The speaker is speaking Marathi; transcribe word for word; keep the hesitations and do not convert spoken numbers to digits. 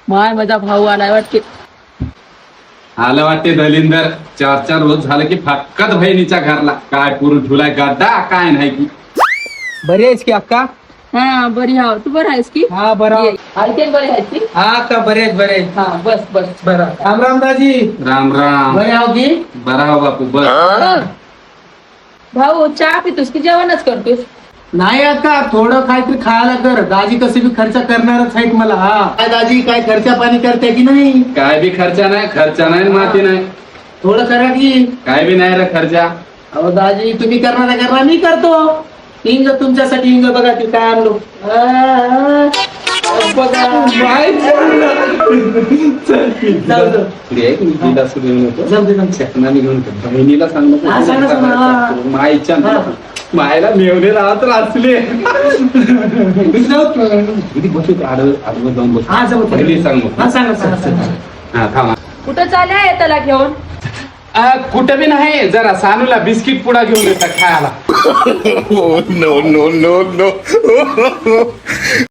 माय माझा भाऊ आलाय वाटते. आलं वाटते दलिंदर. चार चार रोज झालं की फक्कत बहिणीच्या घरला काय पुरू ठुलाय गड्डा काय नाही की. बरी आहेस की अक्का? हा बरी हाव. तू बरं आहेस की? हा बरं. ऐकेन बरे आहेस की? हा अक्का बरे आहेत बरे आहेत. हा बस बस. बरं राम राम दाजी. राम राम. बरे आहो की? बरा हो बापू बस. भाऊ चहा पितोस की जेवणच करतोस? नाही अक्का थोडं काहीतरी खायला कर. दाजी कसे बी खर्च करणारच आहेत मला. हा काय दाजी काय खर्चा पाणी करते की नाही? काय बी खर्चा नाही खर्चा नाही माती नाही थोडं करा की. काय बी नाही रे खर्चा. अहो दाजी तुम्ही करणार करणार मी करतो. इंग तुमच्यासाठी इंग बघा ते काय आणलो. आ, बघा जाऊ दे. बहिणीला जाऊ दे, जाऊ दे. सांगतो हा, सांगा, सांगा. हा. माईच्या हा. मायला मेवणे राहत असले जाऊ दे. किती बसू आडवं आडवं जाऊन बसू. हा, जाऊ दे. पहिली सांग मग. हा सांगा सांगा सांगा. हा थांबा. कुठं चालल्या त्याला घेऊन? आ, कुठं बी नाही जरा सानूला बिस्किट पुडा घेऊन येतात खायला. Oh, no, no, no, no.